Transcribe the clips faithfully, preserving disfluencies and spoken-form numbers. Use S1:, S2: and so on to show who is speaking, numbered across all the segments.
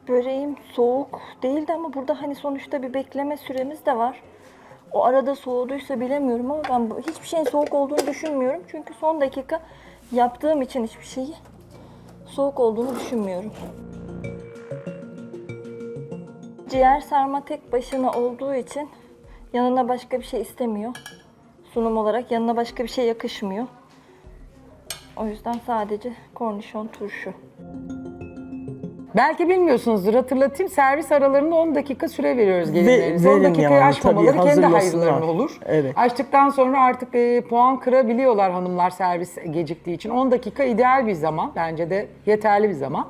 S1: Böreğim soğuk değildi ama burada hani sonuçta bir bekleme süremiz de var. O arada soğuduysa bilemiyorum ama ben bu- hiçbir şeyin soğuk olduğunu düşünmüyorum. Çünkü son dakika yaptığım için hiçbir şeyi soğuk olduğunu düşünmüyorum. Ciğer sarma tek başına olduğu için yanına başka bir şey istemiyor. Sunum olarak yanına başka bir şey yakışmıyor. O yüzden sadece kornişon turşu.
S2: Belki bilmiyorsunuzdur, hatırlatayım. Servis aralarında on dakika süre veriyoruz gelinlerimize.
S3: Ve-
S2: on
S3: verin
S2: dakikayı
S3: yani,
S2: aşmamaları
S3: tabii,
S2: kendi
S3: hazırlasınlar.
S2: hayırlarına olur.
S3: Evet.
S2: Açtıktan sonra artık e, puan kırabiliyorlar hanımlar servis geciktiği için. on dakika ideal bir zaman. Bence de yeterli bir zaman.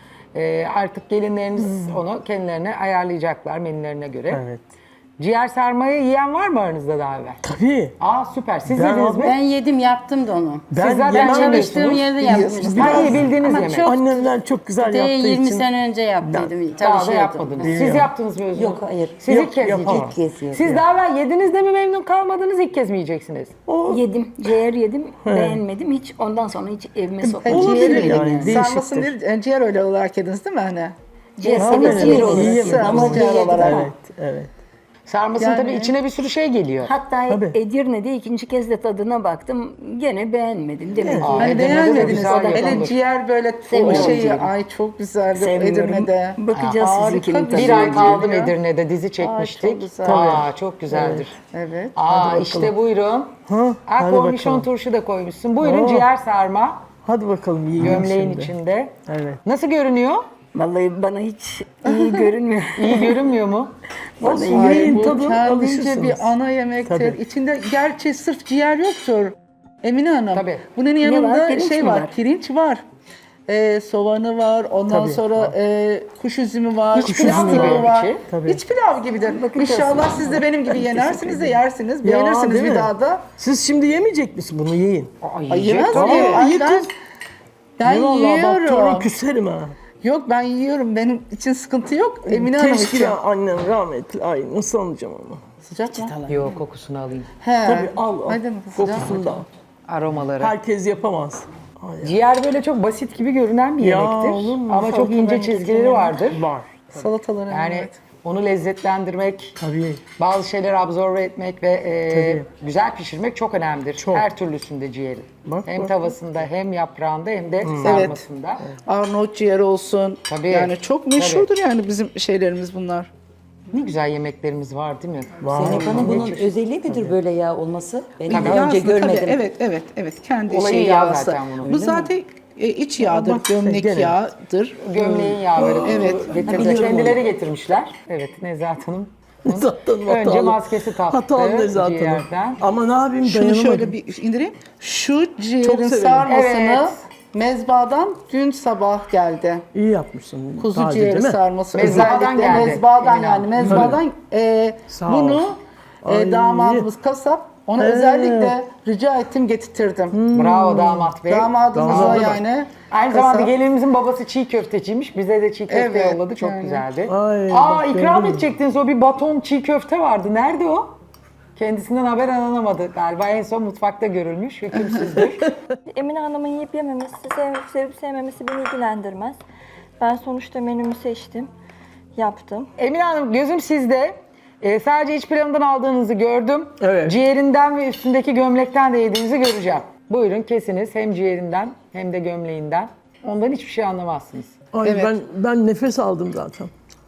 S2: E, artık gelinleriniz onu kendilerine ayarlayacaklar menülerine göre.
S3: Evet.
S2: Ciğer sarmayı yiyen var mı aranızda daha evvel?
S3: Tabii.
S2: Aa süper. Siz
S3: Ben
S2: yediniz mi?
S4: Ben yedim, yaptım da onu.
S3: Ben
S2: Siz zaten
S3: yemem
S4: Çalıştığım
S2: yemiyorsunuz.
S4: yerde yapmıştım.
S2: Ha, iyi bildiğiniz
S4: Ama
S2: yemek.
S4: çok
S3: Annemler çok güzel
S4: de
S3: yaptığı
S4: yirmi
S3: için.
S4: sene önce yaptıydım.
S2: Daha da
S4: Çalışıyordum.
S2: yapmadınız. Siz
S3: Bilmiyorum.
S2: yaptınız mı Özgür?
S5: Yok, hayır.
S2: Siz
S3: Yok,
S2: ilk kez
S3: yapamam.
S2: yiyeceksiniz.
S5: İlk kez yedim.
S2: Siz daha evvel yediniz de mi memnun kalmadınız, ilk kez mi yiyeceksiniz?
S6: Yedim, ciğer yedim, beğenmedim hiç. Ondan sonra hiç evime sokmadım.
S3: Olabilir
S6: Ciğer
S3: yani,
S6: yedim.
S3: değişiktir.
S7: Sarmasın değil, e, ciğer öyle olarak yediniz değil mi hani?
S6: Ciğer
S3: Ama
S6: seviyesi
S3: evet,
S6: bir olur.
S3: yiyemedim.
S6: Ama
S7: Ama ciğer
S6: yedim.
S7: olarak.
S3: Evet, evet.
S2: Sarmasın
S7: Yani-
S2: tabii içine bir sürü şey geliyor.
S6: Hatta
S3: Tabii.
S6: Edirne'de ikinci kez de tadına baktım. Gene beğenmedim. Demek ki
S2: Aa,
S7: Hani
S2: Edirne'de de
S7: beğenmediniz.
S2: güzel
S7: Hele
S2: yapılır.
S7: ciğer böyle o
S6: Sevmiyorum
S7: şeyi,
S6: ciğeri.
S7: ay çok güzeldi
S6: sevmiyorum.
S7: Edirne'de.
S6: Bakacağız
S7: Aa,
S6: sizinkinin
S7: harika
S6: tadına.
S2: Bir ay
S7: güzel
S2: kaldım
S7: geliyor.
S2: Edirne'de, dizi
S7: çok
S2: çekmiştik.
S7: güzel.
S2: Aa, çok güzeldir.
S7: Evet.
S2: Aa, işte buyurun.
S3: Ha,
S2: Ha,
S3: hadi
S2: kornişon
S3: bakalım.
S2: turşu da koymuşsun. Buyurun
S3: Oo.
S2: ciğer sarma,
S3: Hadi bakalım yiyelim
S2: gömleğin
S3: şimdi.
S2: içinde.
S3: Evet.
S2: Nasıl görünüyor?
S6: Vallahi bana hiç iyi görünmüyor.
S2: İyi görünmüyor mu?
S3: Olsun,
S7: Ay,
S3: yiyin
S7: bu
S3: tadın,
S7: kendince
S3: alışırsınız.
S7: bir ana yemektir.
S3: Tabii.
S7: İçinde gerçi sırf ciğer yoktur. Emine Hanım.
S2: Tabii.
S7: Bunun yanında
S6: var? Pirinç
S7: şey
S6: mi
S7: var,
S6: var?
S7: pirinç var. Ee, soğanı var, ondan
S3: Tabii,
S7: sonra
S3: var.
S7: e, kuş üzümü var,
S2: İç pilav
S7: fıstığı
S2: gibi
S7: var.
S2: içi.
S3: Tabii.
S7: İç pilav gibidir. İnşallah siz de benim gibi yenersiniz de yersiniz, beğenirsiniz
S3: değil
S7: bir
S3: mi?
S7: daha da.
S3: Siz şimdi yemeyecek misiniz bunu, yiyin.
S2: Ay,
S7: Ay, yemez
S3: Tamam,
S7: miyim? Ay,
S3: iyi
S7: ben,
S3: kız.
S7: ben
S3: Eyvallah, bak sonra
S7: yiyorum.
S3: küserim ha.
S7: Yok ben yiyorum. Benim için sıkıntı yok. Emine Hanım
S3: Keşke
S7: için.
S3: ya annem rahmetli. Ay nasıl alacağım onu?
S7: Sıcak mı?
S2: Yok, kokusunu alayım.
S7: He.
S3: Tabii al al.
S7: Hadi mi? Sıcak mı?
S3: Kokusunu da al.
S2: Aromaları.
S3: Herkes yapamaz. Ay,
S2: Ciğer böyle çok basit gibi görünen bir
S3: Ya,
S2: yemektir.
S3: olur mu?
S2: Ama çok ince çizgileri vardır.
S3: var.
S7: Salataları.
S2: Yani
S7: evet.
S2: onu lezzetlendirmek,
S3: Tabii.
S2: bazı şeyleri absorbe etmek ve e,
S3: Tabii.
S2: güzel pişirmek çok önemlidir.
S3: Çok.
S2: Her türlüsünde ciğerin.
S3: Bak,
S2: hem
S3: bak,
S2: tavasında, hem yaprağında, hem de sarmasında.
S7: Arnavut ciğeri olsun.
S2: Tabii.
S7: Yani çok meşhurdur yani bizim şeylerimiz bunlar.
S2: Ne güzel yemeklerimiz var değil mi?
S3: Var.
S5: Zeynep Hanım bunun özelliği midir böyle yağ olması? Ben
S2: Tabii.
S5: daha önce
S7: Aslında
S5: görmedim.
S7: tabii, evet, evet, evet. Kendi
S2: Olayı
S7: şey
S2: yağ
S7: yağısı.
S2: zaten bunun,
S7: Bu zaten e, iç yağdır,
S3: bak sen
S7: gömlek
S3: gene.
S7: yağdır.
S2: Gömleğin yağları
S7: Evet.
S2: getirdiler. Kendileri getirmişler. Evet, Nezahat Hanım.
S3: Zaten
S2: Önce
S3: hatalı.
S2: maskesi taktı
S3: Hatalı ne zaten
S2: ciğerden.
S3: o. Ama ne yapayım,
S7: Şunu
S3: dayanamadım.
S7: şöyle bir indireyim. Şu ciğerin
S3: severim.
S7: sarmasını
S2: Evet.
S7: mezbadan dün sabah geldi.
S3: İyi yapmışsın.
S7: Kuzu
S3: taze
S7: ciğeri
S3: değil mi?
S7: sarması.
S2: Mezbahadan
S7: Özellikle
S2: geldi,
S7: mezbahadan
S2: Emine
S7: yani.
S2: Hanım.
S7: Mezbahadan e,
S3: Sağ ol.
S7: bunu e,
S3: Ay.
S7: damadımız kasap. Ona
S3: He.
S7: özellikle rica ettim, getirtirdim.
S2: Bravo damat bey.
S7: Damadımıza
S3: Damadı bak.
S7: yani.
S2: Aynı
S7: kasap.
S2: zamanda gelinimizin babası çiğ köfteciymiş. Bize de çiğ köfte
S7: Evet,
S2: yolladı. Çok
S7: yani.
S2: güzeldi.
S3: Ay,
S2: Aa,
S3: bak,
S2: ikram
S3: gördün mü?
S2: edecektiniz, o bir baton çiğ köfte vardı. Nerede o? Kendisinden haber alınamadı. Galiba en son mutfakta görülmüş. Hükümsüzdür.
S1: Emine Hanım'ın yiyip yememesi, sev, sevip sevmemesi beni ilgilendirmez. Ben sonuçta menümü seçtim, yaptım.
S2: Emine Hanım, gözüm sizde. Ee, sadece iç pilavından aldığınızı gördüm.
S3: Evet.
S2: Ciğerinden ve üstündeki gömlekten de yediğinizi göreceğim. Buyurun kesiniz, hem ciğerinden hem de gömleğinden. Ondan hiçbir şey anlamazsınız.
S3: Ay,
S7: Evet.
S3: ben ben nefes aldım zaten.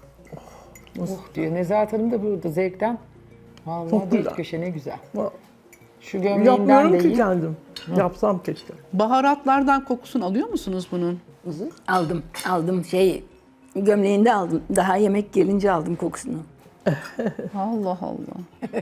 S2: Uh diyor. Nezahat Hanım da burada zevkten. Vallahi
S3: Çok
S2: dört
S3: güzel.
S2: köşe ne güzel.
S3: Va-
S2: Şu gömleğinden
S3: Yapmıyorum
S2: de
S3: ki
S2: yiyin.
S3: kendim. Yapsam keşke.
S7: Baharatlardan kokusunu alıyor musunuz bunun?
S6: Aldım, aldım şey gömleğinde aldım. Daha yemek gelince aldım kokusunu.
S7: Allah Allah.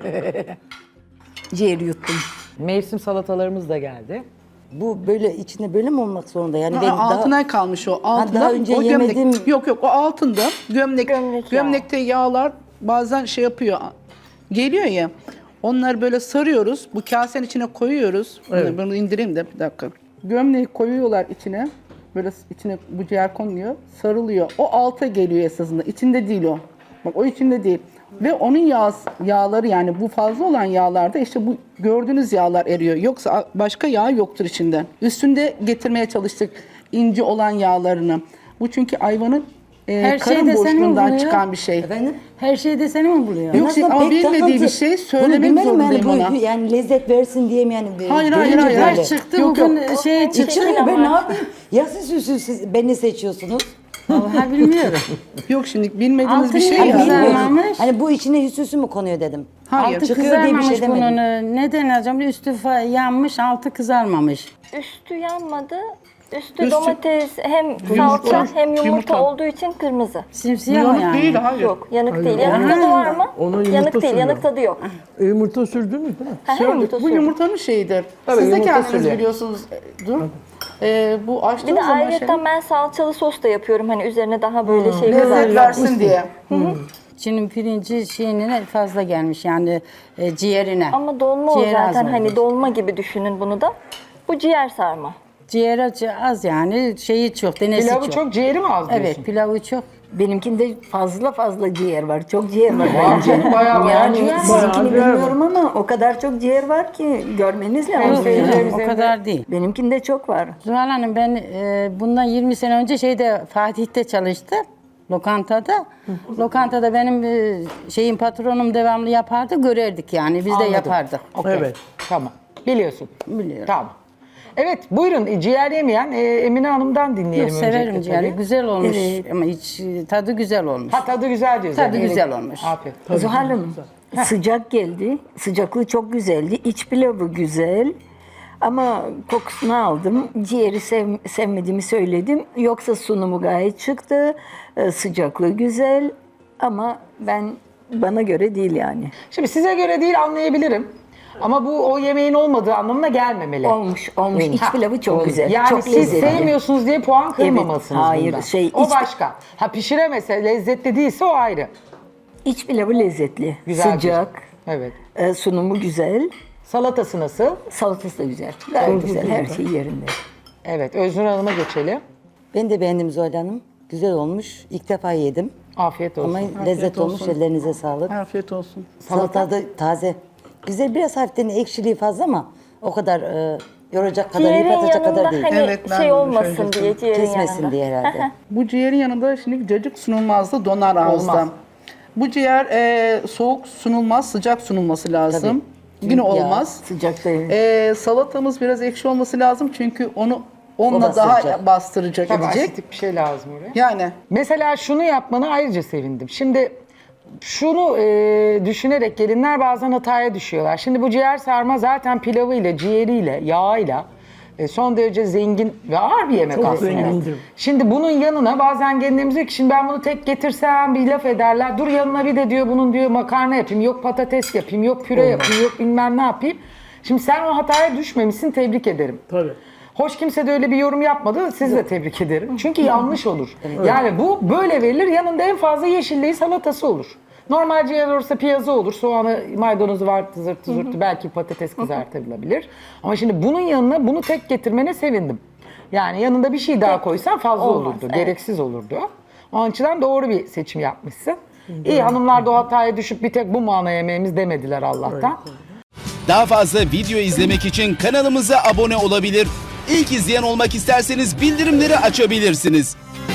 S6: Ciğeri yuttum.
S2: Mevsim salatalarımız da geldi.
S5: Bu böyle içinde böyle mi olmak zorunda? Yani ben
S7: Aa, altına
S5: daha...
S7: kalmış o. Altında,
S5: daha önce
S7: o gömlek.
S5: yemedim.
S7: Yok yok, o altında. Gömlek,
S1: Gömlek yağı.
S7: gömlekte yağlar bazen şey yapıyor. Geliyor ya. Onları böyle sarıyoruz. Bu kasenin içine koyuyoruz.
S3: Evet.
S7: Bunu indireyim de bir dakika. Gömleği koyuyorlar içine. Böyle içine bu ciğer konuluyor. Sarılıyor. O alta geliyor esasında. İçinde değil o. Bak o içinde değil. Ve onun yağ, yağları yani bu fazla olan yağlarda işte bu gördüğünüz yağlar eriyor. Yoksa başka yağ yoktur içinde. Üstünde getirmeye çalıştık ince olan yağlarını. Bu çünkü ayvanın e,
S4: Her
S7: karın
S4: şeyde seni mi
S7: boşluğundan
S4: buluyor?
S7: çıkan bir şey.
S5: Efendim?
S4: Her şeyde seni mi buluyor?
S7: Yok,
S5: Aslında
S7: ama
S5: pek
S7: bilmediği
S5: takıntı-
S7: bir şey
S5: Bunu
S7: söylemek
S5: bilmem
S7: zorundayım
S5: yani, bu-
S7: ona.
S5: Yani lezzet versin diye mi yani?
S7: Hayır, hayır,
S5: görünce
S7: hayır.
S5: böyle.
S4: Her çıktı
S7: Yok,
S4: bugün
S7: yok.
S4: şey
S5: Çıkıyor
S4: çıktı.
S5: ben ne yapayım? Ya siz, siz, siz, siz beni seçiyorsunuz.
S4: Vallahi bilmiyorum.
S7: Yok şimdi bilmediğiniz
S4: Altı
S7: bir şey
S4: niye
S5: Hani
S7: ya.
S4: güzel?
S5: bilmiyorum.
S4: Kızarmamış.
S5: Hani bu içine hüsüsü mü konuyor dedim.
S7: Hayır.
S4: Altı
S5: çıkıyor diye bir şey
S4: kızarmamış
S5: demedim.
S4: bunun. Neden acaba? Üstü fa- yanmış, altı kızarmamış.
S1: Üstü yanmadı. Üstü,
S7: Üstü-
S1: domates hem
S7: Yumurta.
S1: salça hem yumurta,
S7: Yumurta.
S1: olduğu için kırmızı.
S4: Simsiyah o
S7: Yanık
S4: yani.
S7: değil, hayır.
S1: Yok, yanık
S3: Hayır,
S1: değil.
S3: o-
S1: Yanık tadı var mı?
S3: Ona yumurta
S1: Yanık değil,
S3: sürüyor.
S1: yanık tadı yok.
S3: E, yumurta sürdün mü? Değil mi?
S1: Ha,
S7: Şöyle,
S1: yumurta
S7: bu
S1: sürdüm.
S7: yumurtanın şeyidir.
S2: Tabii,
S7: Siz de
S2: yumurta
S7: kendiniz
S2: sürüyor.
S7: biliyorsunuz. E, Dur. E, bu
S1: Bir
S7: açtığınız
S1: de
S7: zaman şey,
S1: ayrıca ben salçalı sos da yapıyorum. Hani üzerine daha böyle şey
S7: lezzet
S1: kızartma.
S7: versin diye.
S4: İçinin pirinci şeyine fazla gelmiş yani e, ciğerine.
S1: Ama dolma o
S4: Ciğer az
S1: zaten. Hani
S4: olmuş.
S1: dolma gibi düşünün bunu da. Bu ciğer sarma.
S4: Ciğer az- az yani şeyi çok, denesi
S2: Pilavı
S4: çok.
S2: çok, ciğeri mi az diyorsun?
S4: Evet, pilavı çok.
S6: Benimkinde fazla fazla ciğer var. Çok ciğer var
S2: Var
S6: bence.
S2: canım, bayağı bayağı
S6: Yani
S2: ciğer var.
S6: sizinkini
S3: Bayağı
S6: bilmiyorum ama o kadar çok ciğer var ki görmeniz
S2: Hem
S6: lazım.
S2: seyircilerimiz
S4: O
S2: hem de-
S4: kadar değil.
S6: Benimkinde çok var.
S4: Zuhal Hanım ben e, bundan yirmi sene önce şeyde Fatih'te çalıştım. Lokantada. Lokantada benim e, şeyin patronum devamlı yapardı. Görerdik yani. Biz de
S2: Anladım.
S4: yapardık.
S2: Okey.
S3: Evet.
S2: Tamam. Biliyorsun.
S4: Biliyorum.
S2: Tamam. Evet buyurun e, ciğer yemeyen e, Emine Hanım'dan dinleyelim
S4: Yok, severim
S2: öncelikle
S4: ciğeri.
S2: tabii.
S4: Güzel olmuş ama hiç e, tadı güzel olmuş.
S2: Ha tadı güzel diyorsun.
S4: Tadı güzel olmuş.
S2: Afiyet.
S6: Zuhal Hanım, sıcak geldi. Sıcaklığı çok güzeldi. İç pilavı güzel. Ama kokusunu aldım. Ciğeri sev, sevmediğimi söyledim. Yoksa sunumu gayet çıktı. Ee, sıcaklığı güzel. Ama ben bana göre değil yani.
S2: Şimdi size göre değil anlayabilirim. Ama bu o yemeğin olmadığı anlamına gelmemeli.
S6: Olmuş, olmuş. İç
S2: Ha,
S6: pilavı çok
S2: oldu.
S6: güzel.
S2: Yani
S6: çok
S2: siz
S6: lezzetli.
S2: sevmiyorsunuz diye puan kırmamalısınız
S6: hayır,
S2: bundan.
S6: şey,
S2: o
S6: iç-
S2: başka. Ha pişiremese, lezzetli değilse o ayrı.
S6: İç pilavı lezzetli.
S2: Güzel
S6: Sıcak.
S2: Evet.
S6: e, sunumu güzel.
S2: Salatası nasıl?
S6: Salatası da güzel. Gayet güzel. Her şey yerinde.
S2: Evet. Öznur Hanım'a geçelim.
S5: Ben de beğendim Zuhal Hanım. Güzel olmuş. İlk defa yedim.
S2: Afiyet olsun.
S5: Ama lezzet olmuş. Ellerinize sağlık.
S7: Afiyet olsun.
S5: Salata da taze. Güzel, biraz hafiften ekşiliği fazla ama o kadar e, yoracak kadar,
S1: Ciğerin
S5: yıpratacak
S1: yanında
S5: kadar değil.
S1: hani
S7: Evet, ben de
S1: şey
S7: öyle
S1: olmasın
S7: söyleyecektim.
S1: diye ciğerin
S5: Kesmesin
S1: yanında.
S5: diye herhalde.
S7: Bu ciğerin yanında şimdi cacık sunulmazdı, donar ağızda.
S2: Olmaz.
S7: Bu ciğer e, soğuk sunulmaz, sıcak sunulması lazım. Yine
S5: Ya,
S7: olmaz.
S6: Sıcak da
S7: E, salatamız biraz ekşi olması lazım çünkü onu onunla
S5: O
S7: daha
S5: bastıracak.
S7: bastıracak
S2: Tabii
S7: edecek.
S2: asitik bir şey lazım oraya.
S7: Yani
S2: Mesela şunu yapmana ayrıca sevindim. Şimdi şunu e, düşünerek gelinler bazen hataya düşüyorlar. Şimdi bu ciğer sarma zaten pilavıyla, ciğeriyle, yağıyla e, son derece zengin ve ağır bir yemek
S3: Çok
S2: aslında.
S3: zengindir.
S2: Şimdi bunun yanına bazen gelinlerimiz diyor ki şimdi ben bunu tek getirsem bir laf ederler. Dur yanına bir de diyor bunun diyor makarna yapayım, yok patates yapayım, yok püre yapayım, yok bilmem ne yapayım. Şimdi sen o hataya düşmemişsin, tebrik ederim.
S3: Tabii.
S2: Hoş kimse de öyle bir yorum yapmadı. Sizi de tebrik ederim. Çünkü yanlış olur. Yani bu böyle verilir. Yanında en fazla yeşilliği salatası olur. Normal ciğer olursa piyazı olur. Soğanı, maydanozu var, zırtı zırtı. Belki patates kızartılabilir. Ama şimdi bunun yanına bunu tek getirmene sevindim. Yani yanında bir şey daha koysan fazla
S1: olmaz,
S2: olurdu.
S1: evet.
S2: Gereksiz olurdu. Onun açıdan doğru bir seçim yapmışsın. İyi hanımlar da o hataya düşüp bir tek bu mu ana yemeğimiz demediler Allah'tan.
S8: Daha fazla video izlemek için kanalımıza abone olabilir. İlk izleyen olmak isterseniz bildirimleri açabilirsiniz.